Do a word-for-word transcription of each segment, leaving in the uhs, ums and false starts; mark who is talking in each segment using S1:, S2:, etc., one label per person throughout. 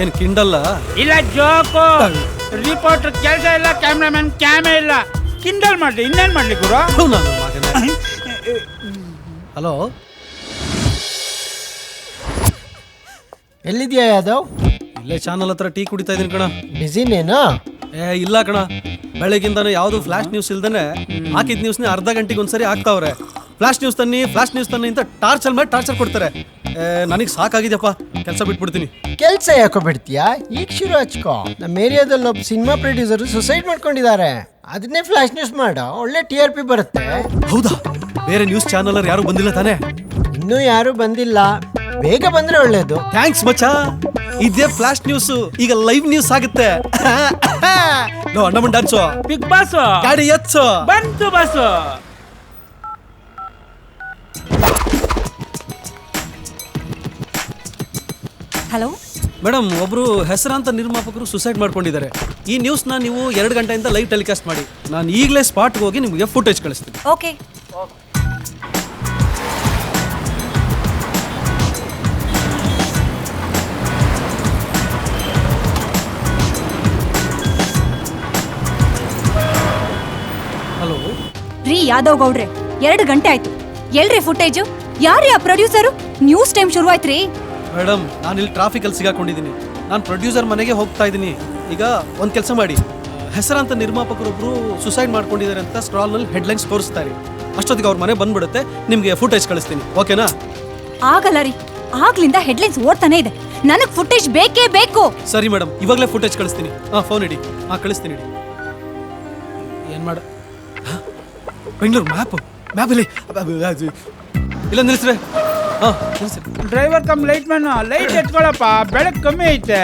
S1: ಏನ್ ಕಿಂಡಲ್ಲ
S2: ಇಲ್ಲ joke. Reporter ಕೆಲಸ ಇಲ್ಲ, ಕ್ಯಾಮ್ರಾಮನ್ ಕ್ಯಾಮೆ ಇಲ್ಲ. ಕಿಂಡಲ್ ಮಾಡ್ಲಿ, ಇನ್ನೇನ್ ಮಾಡ್ಲಿ ಗುರು?
S1: ಹಲೋ,
S3: ಎಲ್ಲಿದ್ಯಾ ಯಾದವ್?
S1: ಇಲ್ಲೇ ಚಾನಲ್ ಹತ್ರ ಟೀ ಕುಡಿತಾ ಇದೀನಿ ಕಣ.
S3: ಬಿಸಿನೇನಾ?
S1: ಏ ಇಲ್ಲ ಕಣ, ಬೆಳಗಿಂದಾನು ಯಾವ್ದು ಫ್ಲಾಶ್ ನ್ಯೂಸ್ ಇಲ್ದೇನೆ ಹಾಕಿದ್ ನ್ಯೂಸ್ನ ಅರ್ಧ ಗಂಟೆಗೆ ಒಂದ್ಸರಿ ಹಾಕ್ತಾವ್ರೆ. ಫ್ಲಾಶ್ ನ್ಯೂಸ್ ತನ್ನಿ ಫ್ಲಾಶ್ ನ್ಯೂಸ್ ತನ್ನಿ ಅಂತ ಟಾರ್ಚರ್ ಮಾಡಿ ಟಾರ್ಚರ್ ಕೊಡ್ತಾರೆ. ನನಗೆ ಸಾಕಾಗಿದೆಯಪ್ಪ, ಕೆಲಸ ಬಿಟ್ಬಿಡ್ತೀನಿ.
S3: ಕೆಲ್ಸ ಯಾಕೋ ಬಿಡ್ತೀಯಾ? ಈಗ ಶುರು ಹಚ್ಕೋ. ನಮ್ಮ ಏರಿಯಾದಲ್ಲಿ ಒಬ್ಬ ಸಿನಿಮಾ ಪ್ರೊಡ್ಯೂಸರ್ ಸುಸೈಡ್ ಮಾಡ್ಕೊಂಡಿದ್ದಾರೆ. ಅದನ್ನೇ ಫ್ಲಾಶ್ ನ್ಯೂಸ್ ಮಾಡ, ಒಳ್ಳೆ ಟಿ ಆರ್ ಪಿ ಬರುತ್ತೆ.
S1: ಹೌದಾ? ಬೇರೆ ನ್ಯೂಸ್ ಚಾನಲ್ ಯಾರು ಬಂದಿಲ್ಲ ತಾನೇ?
S3: ಇನ್ನೂ ಯಾರು ಬಂದಿಲ್ಲ, ಬೇಗ ಬಂದ್ರೆ ಒಳ್ಳೇದು.
S1: ಥ್ಯಾಂಕ್ಸ್ ಮಚ್ಚಾ. ಇದೇ ಫ್ಲಾಶ್ ನ್ಯೂಸ್ ಈಗ ಲೈವ್ ನ್ಯೂಸ್ ಆಗುತ್ತೆ. ಅಣ್ಣ ಡಾನ್ಸು,
S2: ಬಿಗ್ ಬಾಸ್
S1: ಗಾಡಿ ಎಚ್ಚು
S2: ಬಂತು ಬಾಸು.
S4: ಹಲೋ
S1: ಮೇಡಮ್, ಒಬ್ರು ಹೆಸರಾಂತ ನಿರ್ಮಾಪಕರು ಸುಸೈಡ್ ಮಾಡ್ಕೊಂಡಿದ್ದಾರೆ. ಈ ನ್ಯೂಸ್ನ ನೀವು ಎರಡು ಗಂಟೆಯಿಂದ ಲೈವ್ ಟೆಲಿಕಾಸ್ಟ್ ಮಾಡಿ. ನಾನು ಈಗಲೇ ಸ್ಪಾಟ್ಗೆ ಹೋಗಿ ನಿಮಗೆ ಫುಟೇಜ್ ಕಳಿಸ್ತೀನಿ.
S4: ಓಕೆ.
S1: ಹಲೋ
S4: ರೀ ಯಾದವ್ ಗೌಡ್ರೆ, ಎರಡು ಗಂಟೆ ಆಯ್ತು. ಎಲ್ರಿ ಫುಟೇಜು? ಯಾರ್ರೀ ಆ ಪ್ರೊಡ್ಯೂಸರು? ನ್ಯೂಸ್ ಟೈಮ್ ಶುರು ಆಯ್ತ್ರಿ.
S1: ಮೇಡಮ್, ನಾನು ಇಲ್ಲಿ ಟ್ರಾಫಿಕಲ್ಲಿ ಸಿಗಾಕೊಂಡಿದ್ದೀನಿ. ನಾನು ಪ್ರೊಡ್ಯೂಸರ್ ಮನೆಗೆ ಹೋಗ್ತಾ ಇದ್ದೀನಿ. ಈಗ ಒಂದು ಕೆಲಸ ಮಾಡಿ, ಹೆಸರಾಂತ ನಿರ್ಮಾಪಕರೊಬ್ಬರು ಸುಸೈಡ್ ಮಾಡ್ಕೊಂಡಿದ್ದಾರೆ ಅಂತ ಸ್ಕ್ರಾಲ್ನಲ್ಲಿ ಹೆಡ್ಲೈನ್ಸ್ ತೋರಿಸ್ತಾರೆ. ಅಷ್ಟೊತ್ತಿಗೆ ಅವ್ರ ಮನೆ ಬಂದ್ಬಿಡುತ್ತೆ. ನಿಮಗೆ ಫುಟೇಜ್ ಕಳಿಸ್ತೀನಿ, ಓಕೆನಾ?
S4: ಆಗಲ್ಲ ರೀ, ಆಗ್ಲಿಂದ ಹೆಡ್ಲೈನ್ಸ್ ಓಡ್ತಾನೆ ಇದೆ. ನನಗ್ ಫುಟೇಜ್ ಬೇಕೇ ಬೇಕು.
S1: ಸರಿ ಮೇಡಮ್, ಇವಾಗಲೇ ಫುಟೇಜ್ ಕಳಿಸ್ತೀನಿ. ಹಾಂ, ಫೋನ್ ಇಡಿ. ಹಾಂ, ಕಳಿಸ್ತೀನಿ ಇಡಿ. ಏನು ಮಾಡ ಬೆಂಗಳೂರು ಮ್ಯಾಪ್ ಮ್ಯಾಪಲ್ಲಿ ಇಲ್ಲ ನಿಲ್ಲಿಸ್ರೆ. ಹಾಂ, ನಿಲ್ಲಿಸ್ರಿ.
S2: Driver come light man, light ಎತ್ಕೊಳಪ್ಪ, ಬೆಳಕು ಕಮ್ಮಿ ಐತೆ.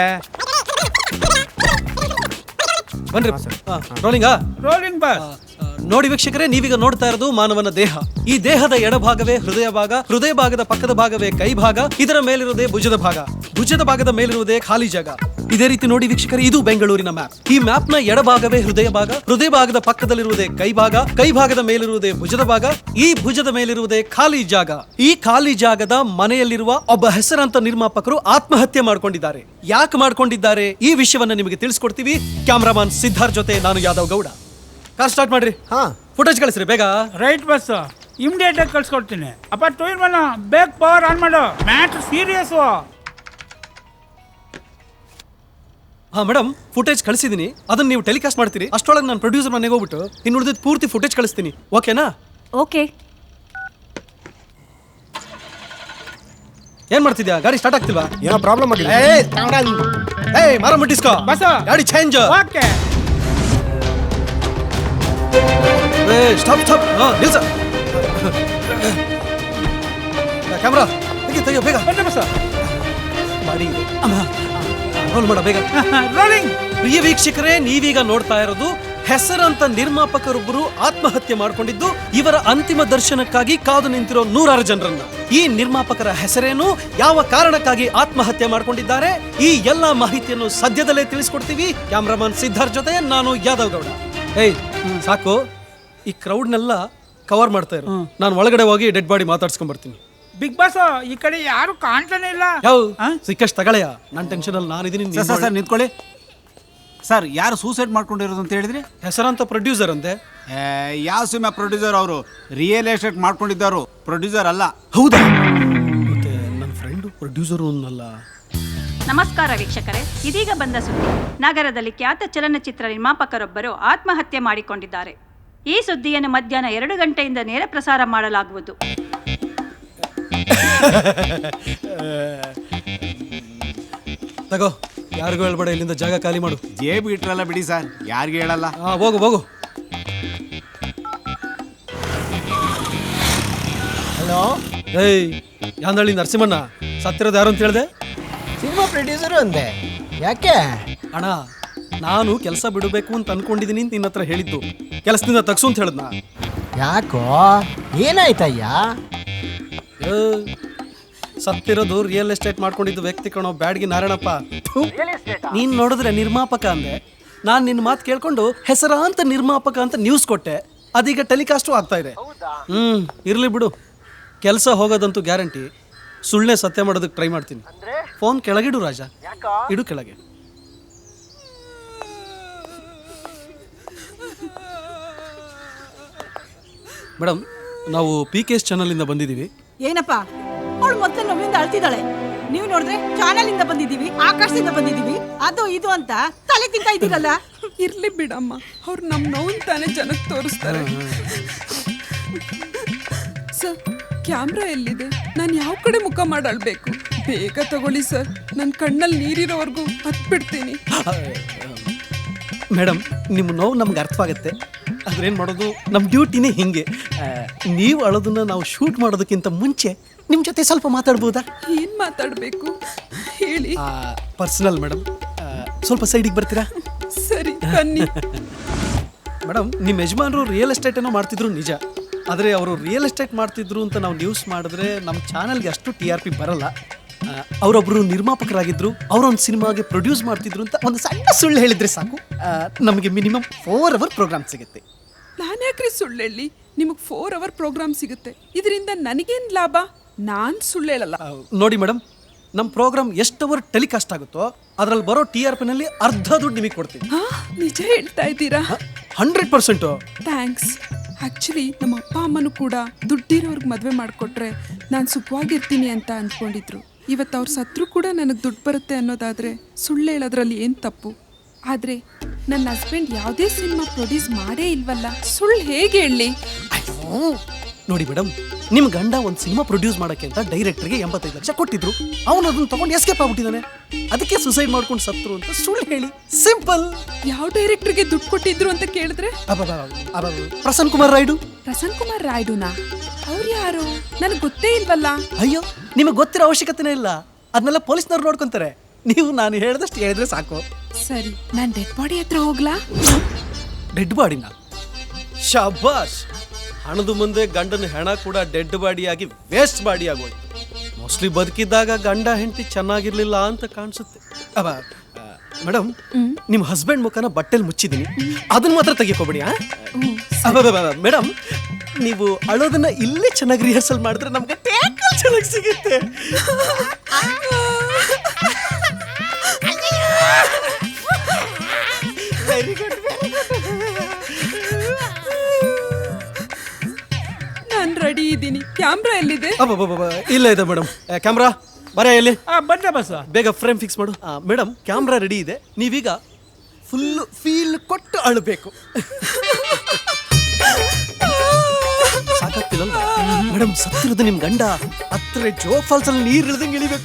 S1: ಬನ್ರಿ. ಹಾಂ, ರೋಲಿಂಗಾ?
S2: Rolling bus.
S1: ನೋಡಿ ವೀಕ್ಷಕರೇ, ನೀವೀಗ ನೋಡ್ತಾ ಇರೋದು ಮಾನವನ ದೇಹ. ಈ ದೇಹದ ಎಡಭಾಗವೇ ಹೃದಯ ಭಾಗ, ಹೃದಯ ಭಾಗದ ಪಕ್ಕದ ಭಾಗವೇ ಕೈ ಭಾಗ, ಇದರ ಮೇಲಿರುವುದೇ ಭುಜದ ಭಾಗ, ಭುಜದ ಭಾಗದ ಮೇಲಿರುವುದೇ ಖಾಲಿ ಜಾಗ. ಇದೇ ರೀತಿ ನೋಡಿ ವೀಕ್ಷಕರೇ, ಇದು ಬೆಂಗಳೂರಿನ ಮ್ಯಾಪ್. ಈ ಮ್ಯಾಪ್ ನ ಎಡಭಾಗವೇ ಹೃದಯ ಭಾಗ, ಹೃದಯ ಭಾಗದ ಪಕ್ಕದಲ್ಲಿರುವುದೇ ಕೈ ಭಾಗ, ಕೈ ಭಾಗದ ಮೇಲಿರುವುದೇ ಭುಜದ ಭಾಗ, ಈ ಭುಜದ ಮೇಲಿರುವುದೇ ಖಾಲಿ ಜಾಗ. ಈ ಖಾಲಿ ಜಾಗದ ಮನೆಯಲ್ಲಿರುವ ಒಬ್ಬ ಹೆಸರಾಂತ ನಿರ್ಮಾಪಕರು ಆತ್ಮಹತ್ಯೆ ಮಾಡ್ಕೊಂಡಿದ್ದಾರೆ. ಯಾಕೆ ಮಾಡ್ಕೊಂಡಿದ್ದಾರೆ ಈ ವಿಷಯವನ್ನ ನಿಮಗೆ ತಿಳಿಸ್ಕೊಡ್ತೀವಿ. ಕ್ಯಾಮ್ರಾಮನ್ ಸಿದ್ಧಾರ್ಥ್ ಜೊತೆ ನಾನು ಯಾದವ್ ಗೌಡ. ಕಾರ್ ಸ್ಟಾರ್ಟ್ ಮಾಡ್ರಿ.
S3: ಹಾ,
S1: ಫುಟೇಜ್ ಕಳಿಸ್ರಿ ಬೇಗ.
S2: ರೈಟ್ ಬಸ್, ಇಮಿಡಿಯೇಟ್ ಆಗಿ ಕಳ್ಸ್ಕೊಡ್ತೀನಿ. ಅಪ್ಪ ಟೂ ಇನ್ ಒನ್, ಬೇಕ್ ಪವರ್ ಆನ್ ಮಾಡು, ಮ್ಯಾಚ್ ಸೀರಿಯಸ್.
S1: ಹಾ ಮೇಡಮ್, ಫುಟೇಜ್ ಕಳಿಸಿದೀನಿ. ಅದನ್ನ ನೀವು ಟೆಲಿಕಾಸ್ಟ್ ಮಾಡ್ತೀರಿ. ಅಷ್ಟೊಳಗೆ ನಾನು ಪ್ರೊಡ್ಯೂಸರ್ ಮನೆಗೆ ಹೋಗ್ಬಿಟ್ಟು ಇನ್ನು ಉಳಿದ ಪೂರ್ತಿ ಫುಟೇಜ್ ಕಳಿಸ್ತೀನಿ, ಓಕೆನಾ?
S4: ಓಕೆ.
S1: ಏನ್ ಮಾಡ್ತಿದ್ಯಾ? ಗಾಡಿ ಸ್ಟಾರ್ಟ್ ಆಗ್ತಿಲ್ವಾ?
S3: ಏನೋ ಪ್ರಾಬ್ಲಮ್ ಆಗಿದೆ.
S1: ಏಯ್ ಮಾರ ಮುಟ್ಟಿಸ್ಕೋ
S2: ಬಸ್,
S1: ಗಾಡಿ ಚೇಂಜ್.
S2: ಓಕೆ.
S1: ಏ ಸ್ಟಾಪ್ ಸ್ಟಾಪ್. ಹಾ, ನಿಲ್ಸ. ಕ್ಯಾಮ್ರಾ ತೆಗಿ ತೆಗಿಯೋ ಬೇಗ.
S2: ಬನ್ನಿ ಬಸ್,
S1: ಗಾಡಿ ರೋಲ್ ಮಾಡ ಬೇಗ.
S2: ರೋಲಿಂಗ್.
S1: ಪ್ರಿಯ ವೀಕ್ಷಕರೇ, ನೀವೀಗ ನೋಡ್ತಾ ಇರೋದು ಹೆಸರಂತ ನಿರ್ಮಾಪಕರೊಬ್ಬರು ಆತ್ಮಹತ್ಯೆ ಮಾಡಿಕೊಂಡಿದ್ದು, ಇವರ ಅಂತಿಮ ದರ್ಶನಕ್ಕಾಗಿ ಕಾದು ನಿಂತಿರೋ ನೂರಾರು ಜನರನ್ನ. ಈ ನಿರ್ಮಾಪಕರ ಹೆಸರೇನು, ಯಾವ ಕಾರಣಕ್ಕಾಗಿ ಆತ್ಮಹತ್ಯೆ ಮಾಡಿಕೊಂಡಿದ್ದಾರೆ, ಈ ಎಲ್ಲಾ ಮಾಹಿತಿಯನ್ನು ಸದ್ಯದಲ್ಲೇ ತಿಳಿಸ್ಕೊಡ್ತೀವಿ. ಕ್ಯಾಮ್ರಾಮನ್ ಸಿದ್ಧಾರ್ಥ್ ಜೊತೆ ನಾನು ಯಾದವ್ ಗೌಡ. ಏಯ್ ಸಾಕು, ಈ ಕ್ರೌಡ್ನೆಲ್ಲ ಕವರ್ ಮಾಡ್ತಾ ಇರೋ. ನಾನು ಒಳಗಡೆ ಹೋಗಿ ಡೆಡ್ ಬಾಡಿ ಮಾತಾಡ್ಸ್ಕೊಂಡ್ ಬರ್ತೀನಿ.
S2: ಬಿಗ್ ಬಾಸ್, ಈ ಕಡೆ ಯಾರು ಕಾಣ್ತಾನೆ ಇಲ್ಲ.
S1: ಯಾವ ಸಿಕ್ಕಷ್ಟು ತಗೊಳ್ಳೆಯ, ನನ್ನ ಟೆನ್ಷನ್ ಅಲ್ಲಿ ನಾನಿದ್ದೀನಿ.
S5: ಸರ್ ಸರ್ ನಿಂತ್ಕೊಳ್ಳಿ ಸರ್. ಯಾರು ಸೂಸೈಡ್ ಮಾಡ್ಕೊಂಡಿರೋದು ಅಂತ ಹೇಳಿದ್ರಿ?
S1: ಹೆಸರಂತ ಪ್ರೊಡ್ಯೂಸರ್ ಅಂತೆ.
S5: ಯಾವ ಸಿನಿಮಾ ಪ್ರೊಡ್ಯೂಸರ್? ಅವರು ರಿಯಲ್ ಎಸ್ಟೇಟ್ ಮಾಡ್ಕೊಂಡಿದ್ದವರು, ಪ್ರೊಡ್ಯೂಸರ್ ಅಲ್ಲ.
S1: ಹೌದಾ? ಮತ್ತೆ ನನ್ನ ಫ್ರೆಂಡು ಪ್ರೊಡ್ಯೂಸರು ಅನ್ನಲ್ಲ.
S6: ನಮಸ್ಕಾರ ವೀಕ್ಷಕರೇ, ಇದೀಗ ಬಂದ ಸುದ್ದಿ. ನಗರದಲ್ಲಿ ಖ್ಯಾತ ಚಲನಚಿತ್ರ ನಿರ್ಮಾಪಕರೊಬ್ಬರು ಆತ್ಮಹತ್ಯೆ ಮಾಡಿಕೊಂಡಿದ್ದಾರೆ. ಈ ಸುದ್ದಿಯನ್ನು ಮಧ್ಯಾಹ್ನ ಎರಡು ಗಂಟೆಯಿಂದ ನೇರ ಪ್ರಸಾರ ಮಾಡಲಾಗುವುದು.
S1: ತಗೋ, ಯಾರಿಗೂ ಹೇಳ್ಬೇಡ, ಇಲ್ಲಿಂದ ಜಾಗ ಖಾಲಿ ಮಾಡು.
S5: ಜೇಬು ಇಟ್ರಲ್ಲ ಬಿಡಿ ಸರ್, ಯಾರಿಗೆ ಹೇಳಲ್ಲ.
S1: ಹಾ, ಹೋಗು ಹೋಗು.
S3: ಹಲೋ.
S1: ಏಯ್ ಯಾಂದಳ್ಳಿ ನರಸಿಂಹಣ್ಣ, ಸತ್ತಿರೋದು ಯಾರು ಅಂತ ಹೇಳ್ದೆ?
S3: ಸಿನಿಮಾ ಪ್ರೊಡ್ಯೂಸರು ಅಂದೆ. ಯಾಕೆ?
S1: ಅಣ್ಣ, ನಾನು ಕೆಲಸ ಬಿಡಬೇಕು ಅಂತ ಅನ್ಕೊಂಡಿದ್ದೀನಿ ಅಂತ ನಿನ್ನ ಹತ್ರ ಹೇಳಿದ್ದು. ಕೆಲಸದಿಂದ ತಗ್ಸು ಅಂತ ಹೇಳಿದ್ನ.
S3: ಯಾಕೋ, ಏನಾಯ್ತಯ್ಯ?
S1: ಸತ್ತಿರೋದು ರಿಯಲ್ ಎಸ್ಟೇಟ್ ಮಾಡ್ಕೊಂಡಿದ್ದು ವ್ಯಕ್ತಿ ಕಣೋ, ಬ್ಯಾಡ್ಗಿ ನಾರಾಯಣಪ್ಪ. ನೀನ್ ನೋಡಿದ್ರೆ ನಿರ್ಮಾಪಕ ಅಂದೆ, ನಾನು ನಿನ್ನ ಮಾತು ಕೇಳ್ಕೊಂಡು ಹೆಸರಾಂತ ನಿರ್ಮಾಪಕ ಅಂತ ನ್ಯೂಸ್ ಕೊಟ್ಟೆ. ಅದೀಗ ಟೆಲಿಕಾಸ್ಟು ಆಗ್ತಾ ಇದೆ. ಹ್ಮ್ ಇರ್ಲಿ ಬಿಡು, ಕೆಲಸ ಹೋಗೋದಂತೂ ಗ್ಯಾರಂಟಿ. ಸುಳ್ಳೆ ಸತ್ಯ ಮಾಡೋದಕ್ಕೆ ಟ್ರೈ ಮಾಡ್ತೀನಿ. ಫೋನ್ ಕೆಳಗಿಡು ರಾಜ, ಇಡು ಕೆಳಗೆ. ಮೇಡಮ್, ನಾವು ಪಿ ಕೆ ಎಸ್ ಚಾನಲಿಂದ ಬಂದಿದ್ದೀವಿ.
S7: ಏನಪ್ಪ ಅವಳು ಮೊದಲು ನೋವಿಂದ ಅಳ್ತಿದ್ದಾಳೆ, ನೀವು ನೋಡಿದ್ರೆ ಚಾನಲ್ ಇಂದ ಬಂದಿದೀವಿ, ಆಕಾಶದಿಂದ ಬಂದಿದೀವಿ, ಅದು ಇದು ಅಂತ ತಲೆ ತಿಂತಾ ಇದ್ದೀರಲ್ಲ.
S8: ಇರ್ಲಿ ಬಿಡಮ್ಮ, ಅವ್ರು ನಮ್ಮ ನೋವು ತಾನೇ ಜನಕ್ಕೆ ತೋರಿಸ್ತಾರೆ. ಸರ್, ಕ್ಯಾಮ್ರಾ ಎಲ್ಲಿದೆ? ನಾನು ಯಾವ ಕಡೆ ಮುಖ ಮಾಡಾಳ್ಬೇಕು? ಬೇಗ ತಗೊಳ್ಳಿ ಸರ್, ನನ್ನ ಕಣ್ಣಲ್ಲಿ ನೀರಿರೋವರೆಗೂ ಹತ್ಬಿಡ್ತೀನಿ.
S1: ಮೇಡಮ್, ನಿಮ್ಮ ನೋವು ನಮ್ಗೆ ಅರ್ಥವಾಗುತ್ತೆ. ಅದ್ರೇನು ಮಾಡೋದು, ನಮ್ಮ ಡ್ಯೂಟಿನೇ ಹಿಂಗೆ. ನೀವು ಅಳೋದನ್ನ ನಾವು ಶೂಟ್ ಮಾಡೋದಕ್ಕಿಂತ ಮುಂಚೆ ನಿಮ್ಮ ಜೊತೆ ಸ್ವಲ್ಪ ಮಾತಾಡ್ಬೋದಾ?
S8: ಏನು ಮಾತಾಡಬೇಕು ಹೇಳಿ.
S1: ಪರ್ಸನಲ್ ಮೇಡಮ್, ಸ್ವಲ್ಪ ಸೈಡಿಗೆ ಬರ್ತೀರಾ?
S8: ಸರಿ ಬನ್ನಿ.
S1: ಮೇಡಮ್, ನಿಮ್ಮ ಯಜಮಾನರು ರಿಯಲ್ ಎಸ್ಟೇಟ್ ಏನೋ ಮಾಡ್ತಿದ್ರು ನಿಜ, ಆದರೆ ಅವರು ರಿಯಲ್ ಎಸ್ಟೇಟ್ ಮಾಡ್ತಿದ್ರು ಅಂತ ನಾವು ನ್ಯೂಸ್ ಮಾಡಿದ್ರೆ ನಮ್ಮ ಚಾನಲ್ಗೆ ಅಷ್ಟು ಟಿ ಆರ್ ಪಿ ಬರಲ್ಲ. ಅವರೊಬ್ಬರು ನಿರ್ಮಾಪಕರಾಗಿದ್ದರು, ಅವರೊಂದು ಸಿನಿಮಾಗೆ ಪ್ರೊಡ್ಯೂಸ್ ಮಾಡ್ತಿದ್ರು ಅಂತ ಒಂದು ಸಣ್ಣ ಸುಳ್ಳು ಹೇಳಿದರೆ ಸಾಕು, ನಮಗೆ ಮಿನಿಮಮ್ ಫೋರ್ ಅವರ್ ಪ್ರೋಗ್ರಾಮ್ ಸಿಗುತ್ತೆ.
S8: ನಾನು ಯಾಕ್ರಿ ಸುಳ್ಳು ಹೇಳಿ? ನಿಮಗೆ ಫೋರ್ ಅವರ್ ಪ್ರೋಗ್ರಾಮ್ ಸಿಗುತ್ತೆ, ಇದರಿಂದ ನನಗೇನು ಲಾಭ? ನಾನು ಸುಳ್ಳು ಹೇಳಲ್ಲ.
S1: ನೋಡಿ ಮೇಡಮ್, ನಮ್ಮ ಪ್ರೋಗ್ರಾಮ್ ಎಷ್ಟು ಅವರ್ ಟೆಲಿಕಾಸ್ಟ್ ಆಗುತ್ತೋ ಅದರಲ್ಲಿ ಬರೋ ಟಿ ಆರ್ ಪಿನಲ್ಲಿ ಅರ್ಧ ದುಡ್ಡು ನಿಮಗೆ ಕೊಡ್ತೀವಿ.
S8: ಹಾ, ನಿಜ ಹೇಳ್ತಾ ಇದ್ದೀರಾ?
S1: Hundred percent.
S8: ಥ್ಯಾಂಕ್ಸ್. ಆ್ಯಕ್ಚುಲಿ ನಮ್ಮ ಅಪ್ಪ ಅಮ್ಮನೂ ಕೂಡ ದುಡ್ಡಿರೋರ್ಗೆ ಮದುವೆ ಮಾಡಿಕೊಟ್ರೆ ನಾನು ಸುಖವಾಗಿರ್ತೀನಿ ಅಂತ ಅಂದ್ಕೊಂಡಿದ್ರು. ಇವತ್ತು ಅವ್ರು ಸತ್ರು ಕೂಡ ನನಗೆ ದುಡ್ಡು ಬರುತ್ತೆ ಅನ್ನೋದಾದರೆ ಸುಳ್ಳು ಹೇಳೋದ್ರಲ್ಲಿ ಏನು ತಪ್ಪು? ಆದರೆ ನನ್ನ ಹಸ್ಬೆಂಡ್ ಯಾವುದೇ ಸಿನಿಮಾ ಪ್ರೊಡ್ಯೂಸ್ ಮಾಡೇ ಇಲ್ವಲ್ಲ, ಸುಳ್ಳು ಹೇಗೆ ಹೇಳಿ?
S1: ನೋಡಿ ಮೇಡಮ್, ನಿಮ್ಮ ಗಂಡ ಒಂದು ಸಿನಿಮಾ ಪ್ರೊಡ್ಯೂಸ್ ಮಾಡೋಕ್ಕೆ ಅಂತ ಡೈರೆಕ್ಟರ್ಗೆ ಎಂಬತ್ತೈದು ಲಕ್ಷ ಕೊಟ್ಟಿದ್ರು. ಅವನು ಅದನ್ನು ತಗೊಂಡು ಎಸ್ಕೇಪ್ ಆಗ್ಬಿಟ್ಟಿದ್ದಾನೆ, ಅದಕ್ಕೆ ಸುಸೈಡ್ ಮಾಡ್ಕೊಂಡು ಸತ್ರು ಅಂತ ಸುಳ್ಳು ಹೇಳಿ. ಸಿಂಪಲ್.
S8: ಯಾವ ಡೈರೆಕ್ಟರ್ಗೆ ದುಡ್ಡು ಕೊಟ್ಟಿದ್ರು ಅಂತ ಕೇಳಿದ್ರೆ
S1: ಪ್ರಸನ್ನ ಕುಮಾರ್ ರಾಯ್ಡು.
S8: ಪ್ರಸನ್ನ ಕುಮಾರ್ ರಾಯ್ಡುನಾ? ಅವ್ರು ಯಾರು? ನನಗೆ ಗೊತ್ತೇ ಇಲ್ವಲ್ಲ.
S1: ಅಯ್ಯೋ, ನಿಮಗೆ ಗೊತ್ತಿರೋ ಅವಶ್ಯಕತೆನೇ ಇಲ್ಲ, ಅದನ್ನೆಲ್ಲ ಪೊಲೀಸ್ನವ್ರು ನೋಡ್ಕೊಂತಾರೆ. ನೀವು ನಾನು ಹೇಳಿದಷ್ಟು ಹೇಳಿದ್ರೆ ಸಾಕು.
S8: ಸರಿ, ನಾನು ಡೆಡ್ ಬಾಡಿ ಹತ್ರ ಹೋಗ್ಲಾ?
S1: ಡೆಡ್ ಬಾಡಿನ? ಶಾಬಾಷ್. ಹಣದ ಮುಂದೆ ಗಂಡನ ಹೆಣ ಕೂಡ ಡೆಡ್ ಬಾಡಿಯಾಗಿ ವೇಸ್ಟ್ ಬಾಡಿ ಆಗೋಯ್ತು. ಮೋಸ್ಟ್ಲಿ ಬದುಕಿದ್ದಾಗ ಗಂಡ ಹೆಂಡತಿ ಚೆನ್ನಾಗಿರ್ಲಿಲ್ಲ ಅಂತ ಕಾಣಿಸುತ್ತೆ. ಅವ ಮೇಡಮ್, ನಿಮ್ಮ ಹಸ್ಬೆಂಡ್ ಮುಖನ ಬಟ್ಟೆಲಿ ಮುಚ್ಚಿದ್ದೀನಿ, ಅದನ್ನ ಮಾತ್ರ ತೆಗಿಕೋಬೇಡಿ. ಮೇಡಮ್, ನೀವು ಅಳೋದನ್ನ ಇಲ್ಲೇ ಚೆನ್ನಾಗಿ ರಿಹರ್ಸಲ್ ಮಾಡಿದ್ರೆ ನಮ್ಗೆ ಟ್ಯಾಕಲ್ ಚೆನ್ನಾಗಿ ಸಿಗುತ್ತೆ. Very good.
S8: ನಾನು ರೆಡಿ ಇದ್ದೀನಿ. ಕ್ಯಾಮ್ರಾ ಎಲ್ಲಿದೆ?
S1: ಇಲ್ಲ ಇದೆ ಮೇಡಮ್. ಕ್ಯಾಮ್ರಾ ಬರ ಎಲ್ಲಿ?
S2: ಬಂದೆ ಬಸ್.
S1: ಬೇಗ ಫ್ರೇಮ್ ಫಿಕ್ಸ್ ಮಾಡು. ಮೇಡಮ್, ಕ್ಯಾಮ್ರಾ ರೆಡಿ ಇದೆ, ನೀವೀಗ ಫುಲ್ ಫೀಲ್ ಕೊಟ್ಟು ಅಳಬೇಕು. ಸಾಕಾಗ್ತಿಲ್ಲ ಮೇಡಮ್? ಸತ್ತಿರೋದು ನಿಮ್ ಗಂಡ, ಹತ್ರ ಜೋಗ್ ಫಾಲ್ಸ್ ಅಲ್ಲಿ ನೀರ್ ಇಳ್ದಂಗೆ ಇಳಿಬೇಕು.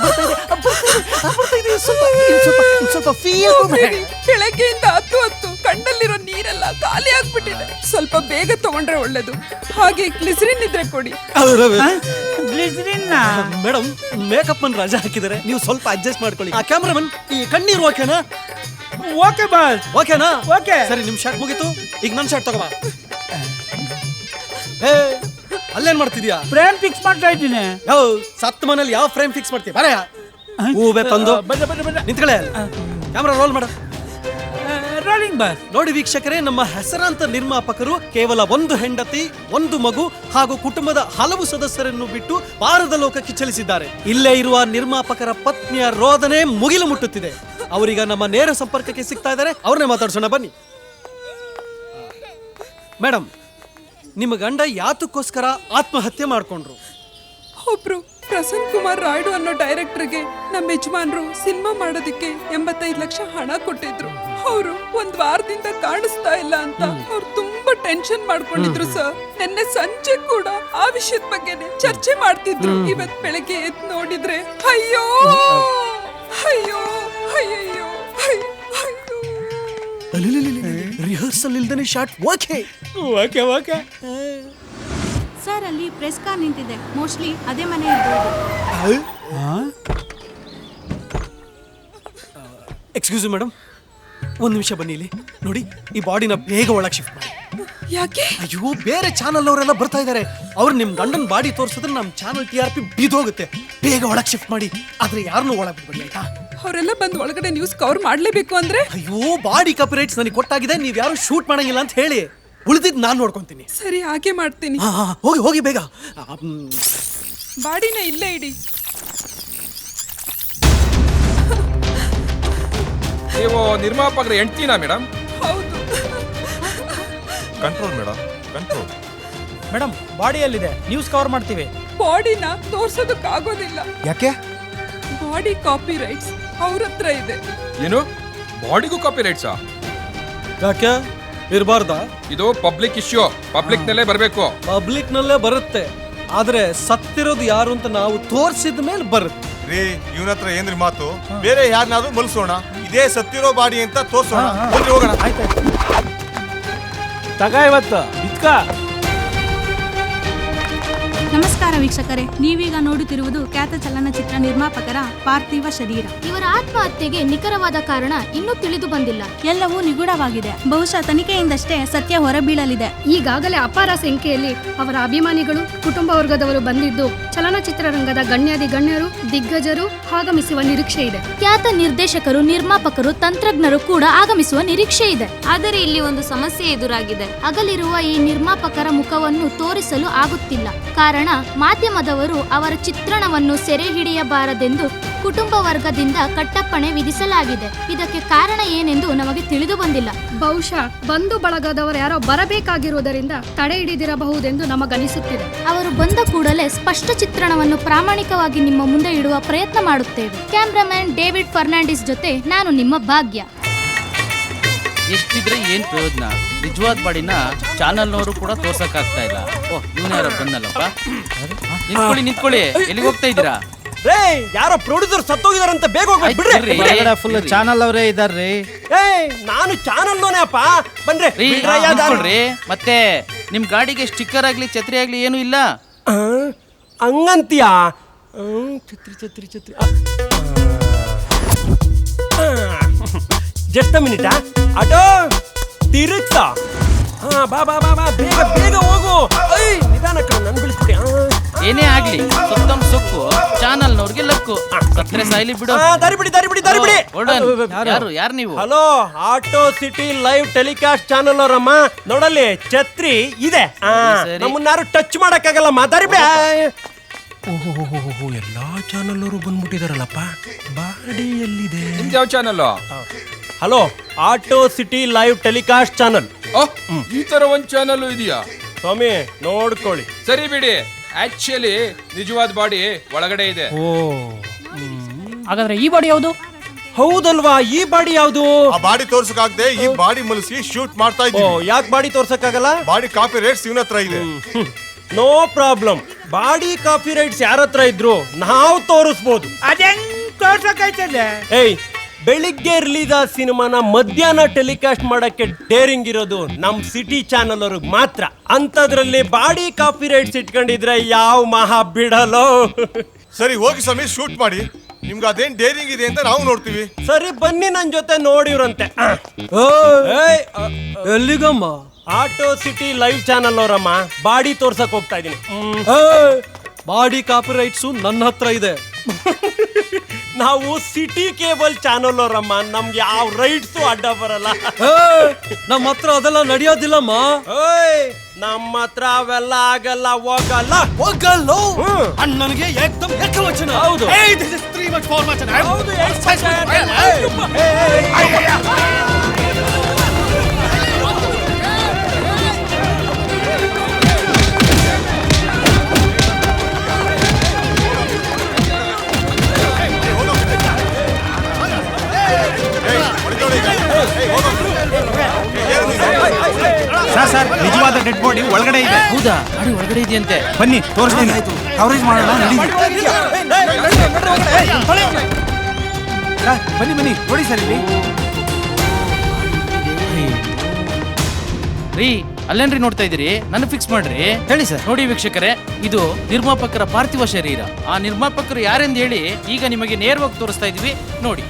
S1: ಸ್ವಲ್ಪ ಫೀಲ್.
S8: ಬೆಳಗ್ಗೆಯಿಂದ ಹತ್ತು ಹತ್ತು ಕಣ್ಣಲ್ಲಿರೋ ನೀರೆಲ್ಲ ಖಾಲಿ ಆಗ್ಬಿಟ್ಟಿದೆ. ಸ್ವಲ್ಪ ಬೇಗ ತಗೊಂಡ್ರೆ ಒಳ್ಳೇದು. ಹಾಗೆ ಗ್ಲಿಸರಿನ್ ಇದ್ರೆ ಕೊಡಿ.
S1: ಮೇಡಮ್, ಮೇಕಪ್ ಅನ್ನು ರಜಾ ಹಾಕಿದ್ದಾರೆ, ನೀವು ಸ್ವಲ್ಪ ಅಡ್ಜಸ್ಟ್ ಮಾಡ್ಕೊಳ್ಳಿ. ಆ ಕ್ಯಾಮ್ರಾಮನ್, ಈ ಕಣ್ಣೀರು ಓಕೆನಾ?
S2: Okay boss.
S1: ಓಕೆನಾ?
S2: ಓಕೆ.
S1: ಸರಿ, ನಿಮ್ ಶಾಟ್ ಮುಗೀತು, ಈಗ ನನ್ ಶಾಟ್ ತಗೋಬಾ. ಹೇ, ಅಲ್ಲೇನ್ ಮಾಡ್ತಿದ್ಯಾ?
S2: ಫ್ರೇಮ್ ಫಿಕ್ಸ್ ಮಾಡ್ತಾ ಇದ್ದೀನಿ.
S1: ಯಾವ ಸತ್ ಮನೇಲಿ ಯಾವ ಫ್ರೇಮ್ ಫಿಕ್ಸ್ ಮಾಡ್ತೀಯ? ಬರ ಹೂವೆ ತಂದು
S2: ಬಂದೆ ಬಂದೆ ಬಂದೆ.
S1: ನಿಂತ್ಕೊಳ್ಳೆ. ಕ್ಯಾಮ್ರಾ ರೋಲ್ ಮಾಡ.
S2: Rolling boss.
S1: ನೋಡಿ ವೀಕ್ಷಕರೇ, ನಮ್ಮ ಹೆಸರಾಂತ ನಿರ್ಮಾಪಕರು ಕೇವಲ ಒಂದು ಹೆಂಡತಿ, ಒಂದು ಮಗು ಹಾಗೂ ಕುಟುಂಬದ ಹಲವು ಸದಸ್ಯರನ್ನು ಬಿಟ್ಟು ಪಾರದ ಲೋಕಕ್ಕೆ ಚಲಿಸಿದ್ದಾರೆ. ಇಲ್ಲೇ ಇರುವ ನಿರ್ಮಾಪಕರ ಪತ್ನಿಯ ರೋದನೆ ಮುಗಿಲು ಮುಟ್ಟುತ್ತಿದೆ. ಅವರೀಗ ನಮ್ಮ ನೇರ ಸಂಪರ್ಕಕ್ಕೆ ಸಿಗ್ತಾ ಇದ್ದಾರೆ, ಅವ್ರನ್ನೇ ಮಾತಾಡ್ಸೋಣ ಬನ್ನಿ. ಮೇಡಮ್, ನಿಮ್ಮ ಗಂಡ ಯಾತಕ್ಕೋಸ್ಕರ ಆತ್ಮಹತ್ಯೆ ಮಾಡ್ಕೊಂಡ್ರು?
S8: ಒಬ್ರು ಪ್ರಸನ್ನ ಕುಮಾರ್ ರಾಯ್ಡು ಅನ್ನೋ ಡೈರೆಕ್ಟರ್ಗೆ ನಮ್ಮ ಯಜಮಾನ್ರು ಸಿನಿಮಾ ಮಾಡೋದಕ್ಕೆ ಎಂಬತ್ತೈದು ಲಕ್ಷ ಹಣ ಕೊಟ್ಟಿದ್ರು. ಅವರು ಒಂದ್ ವಾರದಿಂದ ಕಾಣಿಸ್ತಾ ಇಲ್ಲ ಅಂತ ಅವ್ರು ತುಂಬಾ ಟೆನ್ಷನ್ ಮಾಡ್ಕೊಂಡಿದ್ರು ಸರ್. ನಿನ್ನೆ ಸಂಜೆ ಕೂಡ ಆ ವಿಷಯದ ಬಗ್ಗೆನೆ ಚರ್ಚೆ ಮಾಡ್ತಿದ್ರು. ಇವತ್ ಬೆಳಗ್ಗೆ ಎದ್ದು ನೋಡಿದ್ರೆ ಅಯ್ಯೋ ಅಯ್ಯೋ ಅಯ್ಯಯ್ಯೋ
S1: ರಿಹರ್ಸಲ್ ಇಲ್ದೇನೆ shot. Okay
S2: okay okay.
S4: Sir, ಅಲ್ಲಿ ಪ್ರೆಸ್ ಕಾರ್ ನಿಂತಿದೆ, ಮೋಸ್ಟ್ಲಿ ಅದೇ ಮನೆ ಇರ್ಬೋದು.
S1: ಎಕ್ಸ್ಕ್ಯೂಸ್ ಮೇಡಮ್, ಒಂದು ನಿಮಿಷ ಬನ್ನಿ ಇಲ್ಲಿ. ನೋಡಿ, ಈ ಬಾಡಿನ ಬೇಗ ಒಳಗೆ ಶಿಫ್ಟ್ ಮಾಡಿ.
S8: ಯಾಕೆ?
S1: ಅಯ್ಯೋ, ಬೇರೆ ಚಾನಲ್ ಅವರೆಲ್ಲ ಬರ್ತಾ ಇದ್ದಾರೆ. ಅವ್ರು ನಿಮ್ ಗಂಡನ ಬಾಡಿ ತೋರಿಸಿದ್ರೆ ನಮ್ಮ ಚಾನಲ್ ಟಿ ಆರ್ ಪಿ ಬಿದ್ದೋಗುತ್ತೆ. ಬೇಗ ಒಳಗೆ ಶಿಫ್ಟ್ ಮಾಡಿ, ಆದ್ರೆ ಯಾರನ್ನೂ ಒಳಗೆ ಬಿಡ್ಬೇಡಿ, ಆಯ್ತಾ?
S8: ಅವರೆಲ್ಲ ಬಂದು ಒಳಗಡೆ ನ್ಯೂಸ್ ಕವರ್ ಮಾಡ್ಲೇಬೇಕು ಅಂದ್ರೆ?
S1: ಅಯ್ಯೋ, ಬಾಡಿ ಕಾಪಿರೈಟ್ಸ್ ನನಗೆ ಕೊಟ್ಟಾಗಿದೆ, ನೀವ್ ಯಾರು ಶೂಟ್ ಮಾಡಂಗಿಲ್ಲ ಅಂತ ಹೇಳಿ. ಉಳಿದಿದ್ದು ನಾನು ನೋಡ್ಕೊಂತೀನಿ.
S8: ಸರಿ, ಹಾಗೆ ಮಾಡ್ತೀನಿ.
S1: ಹಾ ಹಾ, ಹೋಗಿ ಹೋಗಿ ಬೇಗ.
S8: ಬಾಡಿನ ಇಲ್ಲೇ ಇಡಿ.
S9: ನೀವು ನಿರ್ಮಾಪಕರ ಹೆಂಡ್ತಿನಾ ಮೇಡಮ್?
S8: ಹೌದು.
S10: Control madam, control.
S2: ಮೇಡಮ್ ಬಾಡಿಯಲ್ಲಿದೆ, ನ್ಯೂಸ್ ಕವರ್ ಮಾಡ್ತೀವಿ.
S8: ಬಾಡಿನ ತೋರ್ಸೋದಕ್ಕಾಗೋದಿಲ್ಲ.
S10: ಯಾಕೆ?
S8: ಬಾಡಿ ಕಾಪಿ ರೈಟ್ಸ್ ಅವ್ರ ಹತ್ರ ಇದೆ.
S9: ಏನು ಬಾಡಿಗೂ ಕಾಪಿ ರೈಟ್ಸಾ?
S1: ಯಾಕೆ ಇರಬಾರ್ದಾ?
S9: ಇದು ಪಬ್ಲಿಕ್ ಇಶ್ಯೂ, ಪಬ್ಲಿಕ್ ನಲ್ಲೇ ಬರಬೇಕು.
S1: ಪಬ್ಲಿಕ್ ನಲ್ಲೇ ಬರುತ್ತೆ, ಆದ್ರೆ ಸತ್ತಿರೋದು ಯಾರು ಅಂತ ನಾವು ತೋರಿಸಿದ ಮೇಲೆ ಬರುತ್ತೆ.
S10: ರೀ, ಇವನ ಹತ್ರ ಏನ್ರಿ ಮಾತು? ಬೇರೆ ಯಾರನ್ನಾದ್ರೂ ಮಲ್ಸೋಣ, ಇದೇ ಸತ್ತಿರೋ ಬಾಡಿ ಅಂತ ತೋರ್ಸೋಣ. ಬನ್ನಿ ಹೋಗೋಣ.
S2: ತಗ ಇವತ್ತು ಇದ್ಕ.
S11: ನಮಸ್ಕಾರ ವೀಕ್ಷಕರೇ, ನೀವೀಗ ನೋಡುತ್ತಿರುವುದು ಖ್ಯಾತ ಚಲನಚಿತ್ರ ನಿರ್ಮಾಪಕರ ಪಾರ್ಥಿವ ಶರೀರ.
S12: ಇವರ ಆತ್ಮಹತ್ಯೆಗೆ ನಿಖರವಾದ ಕಾರಣ ಇನ್ನೂ ತಿಳಿದು ಬಂದಿಲ್ಲ.
S11: ಎಲ್ಲವೂ ನಿಗೂಢವಾಗಿದೆ. ಬಹುಶಃ ತನಿಖೆಯಿಂದಷ್ಟೇ ಸತ್ಯ ಹೊರಬೀಳಲಿದೆ.
S12: ಈಗಾಗಲೇ ಅಪಾರ ಸಂಖ್ಯೆಯಲ್ಲಿ ಅವರ ಅಭಿಮಾನಿಗಳು, ಕುಟುಂಬ ವರ್ಗದವರು ಬಂದಿದ್ದು ಚಲನಚಿತ್ರರಂಗದ ಗಣ್ಯಾದಿ ಗಣ್ಯರು, ದಿಗ್ಗಜರು ಆಗಮಿಸುವ ನಿರೀಕ್ಷೆ ಇದೆ. ಖ್ಯಾತ ನಿರ್ದೇಶಕರು, ನಿರ್ಮಾಪಕರು, ತಂತ್ರಜ್ಞರು ಕೂಡ ಆಗಮಿಸುವ ನಿರೀಕ್ಷೆ ಇದೆ. ಆದರೆ ಇಲ್ಲಿ ಒಂದು ಸಮಸ್ಯೆ ಎದುರಾಗಿದೆ. ಅಗಲಿರುವ ಈ ನಿರ್ಮಾಪಕರ ಮುಖವನ್ನು ತೋರಿಸಲು ಆಗುತ್ತಿಲ್ಲ. ಕಾರಣ ಮಾಧ್ಯಮದವರು ಅವರ ಚಿತ್ರಣವನ್ನು ಸೆರೆ ಹಿಡಿಯಬಾರದೆಂದು ಕುಟುಂಬ ವರ್ಗದಿಂದ ಕಟ್ಟಪ್ಪಣೆ ವಿಧಿಸಲಾಗಿದೆ. ಇದಕ್ಕೆ ಕಾರಣ ಏನೆಂದು ನಮಗೆ ತಿಳಿದು ಬಂದಿಲ್ಲ. ಬಹುಶಃ ಬಂಧು ಬಳಗದವರು ಯಾರೋ ಬರಬೇಕಾಗಿರುವುದರಿಂದ ತಡೆ ಹಿಡಿದಿರಬಹುದೆಂದು ನಮಗನಿಸುತ್ತಿದೆ. ಅವರು ಬಂದ ಕೂಡಲೇ ಸ್ಪಷ್ಟ ಚಿತ್ರಣವನ್ನು ಪ್ರಾಮಾಣಿಕವಾಗಿ ನಿಮ್ಮ ಮುಂದೆ ಇಡುವ ಪ್ರಯತ್ನ ಮಾಡುತ್ತೇವೆ. ಕ್ಯಾಮ್ರಾಮನ್ ಡೇವಿಡ್ ಫರ್ನಾಂಡಿಸ್ ಜೊತೆ ನಾನು ನಿಮ್ಮ ಭಾಗ್ಯ.
S13: ಎಷ್ಟಿದ್ರೆ ಏನ್ ಪ್ರಯೋಜನ? ನಿಜವಾದ ಬಾಡಿನ ಚಾನಲ್ನವರು ಕೂಡ ತೋರ್ಸಕ್ ಆಗ್ತಾ ಇಲ್ಲ. ಓಹ್, ಇವನು ಯಾರೋ ಬಂದಲ್ಲಪ್ಪ. ನಿಂತ್ಕೊಳ್ಳಿ ನಿಂತ್ಕೊಳ್ಳಿ, ಎಲ್ಲಿಗೆ ಹೋಗ್ತಾ ಇದ್ದೀರಾ?
S2: ರೇ, ಯಾರೋ ಪ್ರೊಡ್ಯೂಸರ್ ಸತ್ತೋಗಿದಾರಂತ ಬೇಗ ಹೋಗ್ಬಿಟ್ಟು ಬಿಡ್ರಿ. ಫುಲ್ ಚಾನಲ್ ಅವರೇ ಇದಾರ್ರಿ. ಏ, ನಾನು ಚಾನಲ್ ನೋನೇ ಅಪ್ಪ. ಬನ್ರಿ
S13: ರೀ, ನಿಂತ್ಕೊಳ್ರಿ. ಮತ್ತೆ ನಿಮ್ ಗಾಡಿಗೆ ಸ್ಟಿಕ್ಕರ್ ಆಗ್ಲಿ ಛತ್ರಿ ಆಗ್ಲಿ ಏನು ಇಲ್ಲ?
S2: ಹಂಗಂತೀಯಾ? ಛತ್ರಿ ಛತ್ರಿ ಛತ್ರಿ ಜಸ್ಟ್ ಮಿನಿಟ್. ಆಟೋ ತಿರುಗ್ಸ. ಹಾ, ಬಾ ಬಾ ಬಾ ಬಾ, ಬೇಗ ಬೇಗ ಹೋಗು. ನಿಧಾನ ಕಣ, ನನ್ ಬಿಡಿಸ್ಬಿಡಿ.
S13: ಏನೇ ಆಗ್ಲಿ, ಸುತ್ತಮ್ ಸೊಕ್ಕು ಚಾನಲ್ನವ್ರಿಗೆ ಲಕ್ಕು. ಸತ್ರೆ ಸಾಯ್ಲಿ ಬಿಡು.
S2: ದಾರಿ ಬಿಡಿ, ದಾರಿ ಬಿಡಿ, ದಾರಿ ಬಿಡಿ.
S13: ಯಾರು ಯಾರು ನೀವು?
S2: Hello, auto city live telecast channel ಅವರಮ್ಮ. ನೋಡಲ್ಲಿ ಛತ್ರಿ ಇದೆ, ನಮ್ಮನ್ನಾರು ಟಚ್ ಮಾಡಕ್ಕಾಗಲ್ಲಮ್ಮ. ದಾರಿ ಬಿಡಿ. ಓಹೋ, ಎಲ್ಲಾ ಚಾನಲ್ ಅವರು ಬಂದ್ಬಿಟ್ಟಿದಾರಲ್ಲಪ್ಪ. ಬಾಡಿ ಎಲ್ಲಿದೆ?
S9: ನಿಮ್ದು ಯಾವ channel?
S2: Hello, auto city live telecast channel.
S9: ಈ ತರ ಒಂದ್ ಚಾನಲ್ ಇದೆಯಾ?
S2: ಸ್ವಾಮಿ ನೋಡ್ಕೊಳ್ಳಿ.
S9: ಸರಿ ಬಿಡಿ, ಆಕ್ಚುಲಿ ನಿಜವಾದ ಬಾಡಿ ಒಳಗಡೆ ಇದೆ.
S2: ಓ,
S13: ಹಾಗಾದ್ರೆ ಈ ಬಾಡಿ ಯಾವುದು?
S2: ಹೌದಲ್ವಾ, ಈ ಬಾಡಿ ಯಾವುದು?
S10: ಆ ಬಾಡಿ ತೋರ್ಸಕ್ಕಾಗದೆ ಈ ಬಾಡಿ ಮಲಸಿ ಶೂಟ್ ಮಾಡ್ತಾ ಇದ್ದೀವಿ.
S2: ಯಾಕೆ ಬಾಡಿ ತೋರ್ಸಕ್ಕಾಗಲ್ಲ?
S10: ಬಾಡಿ ಕಾಪಿ ರೈಟ್ಸ್ ಇವನ ಹತ್ರ ಇದೆ.
S2: No problem. Body copy rights ಯಾರ ಹತ್ರ ಇದ್ರು ನಾವು ತೋರಿಸ್ಬೋದು. ಏಯ್, ಬೆಳಿಗ್ಗೆ ರಿಲೀಸ್ ಆದ ಸಿನಿಮಾನ ಮಧ್ಯಾಹ್ನ ಟೆಲಿಕಾಸ್ಟ್ ಮಾಡಕ್ಕೆ ಡೇರಿಂಗ್ ಇರೋದು ನಮ್ ಸಿಟಿ ಚಾನಲ್ ಅವ್ರಿಗೆ ಮಾತ್ರ. ಅಂತದ್ರಲ್ಲಿ ಬಾಡಿ ಕಾಪಿ ರೈಟ್ಸ್ ಇಟ್ಕೊಂಡಿದ್ರೆ ಯಾವ ಮಹಾ ಬಿಡಲೋ.
S10: ಸರಿ ಹೋಗಿ ಸಮಯ ಶೂಟ್ ಮಾಡಿ. ನಿಮ್ಗೆ ಅದೇನ್ ಡೇರಿಂಗ್ ಇದೆ ಅಂತ ನಾವು ನೋಡ್ತೀವಿ.
S2: ಸರಿ ಬನ್ನಿ, ನನ್ ಜೊತೆ ನೋಡಿವ್ರಂತೆ.
S1: ಎಲ್ಲಿಗಮ್ಮ?
S2: ಆಟೋ ಸಿಟಿ ಲೈವ್ ಚಾನಲ್ ಅವರಮ್ಮ. ಬಾಡಿ ತೋರ್ಸಕ್ ಹೋಗ್ತಾ ಇದೀನಿ.
S1: ಬಾಡಿ ಕಾಪಿ ರೈಟ್ಸು ನನ್ನ ಹತ್ರ ಇದೆ.
S2: ನಾವು ಸಿಟಿ ಕೇಬಲ್ ಚಾನಲ್ ಅವರಮ್ಮ, ನಮ್ಗೆ ಯಾವ ರೈಟ್ಸು ಅಡ್ಡ ಬರಲ್ಲ.
S1: ನಮ್ಮ ಹತ್ರ ಅದೆಲ್ಲ ನಡೆಯೋದಿಲ್ಲಮ್ಮ.
S2: ನಮ್ಮ ಹತ್ರ ಅವೆಲ್ಲ ಆಗಲ್ಲ, ಹೋಗಲ್ಲ
S1: ಹೋಗಲ್ಲ. ಅಣ್ಣನಿಗೆ ಏಕದಮ್ ಏಕವಚನ.
S2: ಹೌದು. ಹೌದು,
S5: ಸರ್ ಸರ್ ನಿಜವಾದ ಡೆಡ್ ಬಾಡಿ ಒಳಗಡೆ ಇದೆ.
S13: ಹೌದಾ? ಬಾಡಿ ಒಳಗಡೆ ಇದೆಯಂತೆ.
S5: ಬನ್ನಿ ತೋರಿಸ್ತೀನಿ. ಕವರೇಜ್ ಮಾಡೋಣ. ಬನ್ನಿ ಬನ್ನಿ ನೋಡಿ ಸರ್ ಇಲ್ಲಿ.
S13: ರೀ, ಅಲ್ಲೇನ್ರಿ ನೋಡ್ತಾ ಇದೀರಿ? ನನ್ನ ಫಿಕ್ಸ್ ಮಾಡ್ರಿ.
S2: ಹೇಳಿ ಸರ್.
S13: ನೋಡಿ ವೀಕ್ಷಕರೇ, ಇದು ನಿರ್ಮಾಪಕರ ಪಾರ್ಥಿವ ಶರೀರ. ಆ ನಿರ್ಮಾಪಕರು ಯಾರೆಂದು ಹೇಳಿ ಈಗ ನಿಮಗೆ ನೇರವಾಗಿ ತೋರಿಸ್ತಾ ಇದೀವಿ, ನೋಡಿ.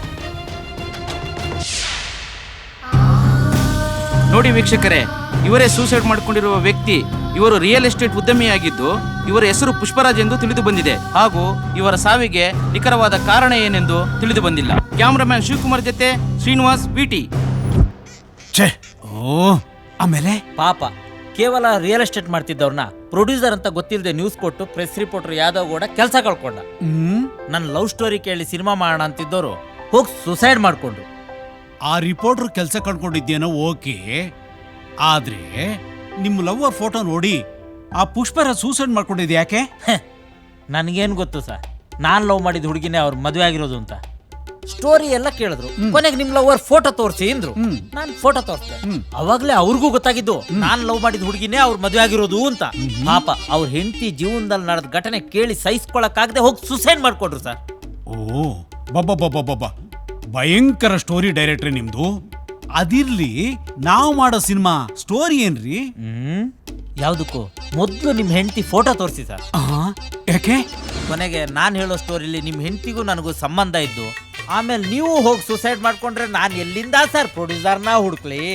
S13: ನೋಡಿ ವೀಕ್ಷಕರೇ, ಇವರೇ ಸೂಸೈಡ್ ಮಾಡಿಕೊಂಡಿರುವ ವ್ಯಕ್ತಿ. ಇವರು ರಿಯಲ್ ಎಸ್ಟೇಟ್ ಉದ್ಯಮಿಯಾಗಿದ್ದು ಇವರ ಹೆಸರು ಪುಷ್ಪರಾಜ್ ಎಂದು ತಿಳಿದು ಬಂದಿದೆ. ಹಾಗೂ ಇವರ ಸಾವಿಗೆ ನಿಖರವಾದ ಕಾರಣ ಏನೆಂದು ತಿಳಿದು ಬಂದಿಲ್ಲ. ಕ್ಯಾಮ್ರಾಮನ್ ಶಿವಕುಮಾರ್ ಜೊತೆ ಶ್ರೀನಿವಾಸ್, ವಿಟಿ.
S5: ಆಮೇಲೆ
S14: ಪಾಪ ಕೇವಲ ರಿಯಲ್ ಎಸ್ಟೇಟ್ ಮಾಡ್ತಿದ್ದವ್ರನ್ನ ಪ್ರೊಡ್ಯೂಸರ್ ಅಂತ ಗೊತ್ತಿಲ್ಲದೆ ನ್ಯೂಸ್ ಕೊಟ್ಟು ಪ್ರೆಸ್ ರಿಪೋರ್ಟರ್ ಯಾದವ್ ಕೂಡ ಕೆಲಸ ಕಳ್ಕೊಂಡ. ನನ್ನ ಲವ್ ಸ್ಟೋರಿ ಕೇಳಿ ಸಿನಿಮಾ ಮಾಡೋಣ ಅಂತಿದ್ದವರು ಹೋಗಿ ಸುಸೈಡ್ ಮಾಡ್ಕೊಂಡ್ರು.
S5: ಆ ರಿಪೋರ್ಟರ್ ಕೆಲಸ ಕಳ್ಕೊಂಡಿದ್ದೇನೋ ಓಕೆ, ಆದ್ರೆ ನಿಮ್ಮ ಲವ್ವರ್ ಫೋಟೋ ನೋಡಿ ಆ ಪುಷ್ಪರಾಜ್ ಸೂಸೈಡ್ ಮಾಡ್ಕೊಂಡಿದ್ ಯಾಕೆ?
S14: ನನಗೇನು ಗೊತ್ತು ಸರ್, ನಾನು ಲವ್ ಮಾಡಿದ ಹುಡುಗಿನೇ ಅವ್ರ ಮದುವೆ ಆಗಿರೋದು ಅಂತ. ಸ್ಟೋರಿ ಎಲ್ಲ ಕೇಳಿದ್ರು, ಕೊನೆಗೆ ನಿಮ್ ಲವರ್ ಫೋಟೋ ತೋರಿಸಿ ಅಂದ್ರು. ನಾನು ಫೋಟೋ ತೋರಿಸ್ದೆ, ಅವಾಗ್ಲೇ ಅವ್ರಿಗೂ ಗೊತ್ತಾಗಿದ್ದು ನಾನ್ ಲವ್ ಮಾಡಿದ ಹುಡುಗಿನೇ ಅವ್ರ ಮದುವೆ ಆಗಿರೋದು ಅಂತ. ಪಾಪ ಅವ್ರ ಹೆಂಡತಿ ಜೀವನದಲ್ಲಿ ನಡೆದ ಘಟನೆ ಕೇಳಿ ಸಹಿಸ್ಕೊಳಕ್ಕಾಗದೆ ಹೋಗಿ ಸುಸೈಡ್ ಮಾಡ್ಕೊಂಡ್ರು ಸರ್.
S5: ಓ ಬಬ್ಬ ಭಯಂಕರ ಸ್ಟೋರಿ ಡೈರೆಕ್ಟ್ರಿ ನಿಮ್ದು. ಅದಿರ್ಲಿ, ನಾವು ಮಾಡೋ ಸಿನಿಮಾ ಸ್ಟೋರಿ ಏನ್ರಿ?
S14: ಹ್ಮ್ ಯಾವ್ದಕ್ಕೂ ಮೊದ್ಲು ನಿಮ್ ಹೆಂಡತಿ ಫೋಟೋ ತೋರಿಸಿ ಸರ್.
S5: ಯಾಕೆ?
S14: ಕೊನೆಗೆ ನಾನು ಹೇಳೋ ಸ್ಟೋರಿಲಿ ನಿಮ್ ಹೆಂಡತಿಗೂ ನನಗೂ ಸಂಬಂಧ ಇದ್ದು, ಆಮೇಲೆ ನೀವು ಹೋಗಿ ಸುಸೈಡ್ ಮಾಡ್ಕೊಂಡ್ರೆ ನಾನು ಎಲ್ಲಿಂದ ಸರ್ ಪ್ರೊಡ್ಯೂಸರ್ನ ಹುಡುಕ್ಲಿ?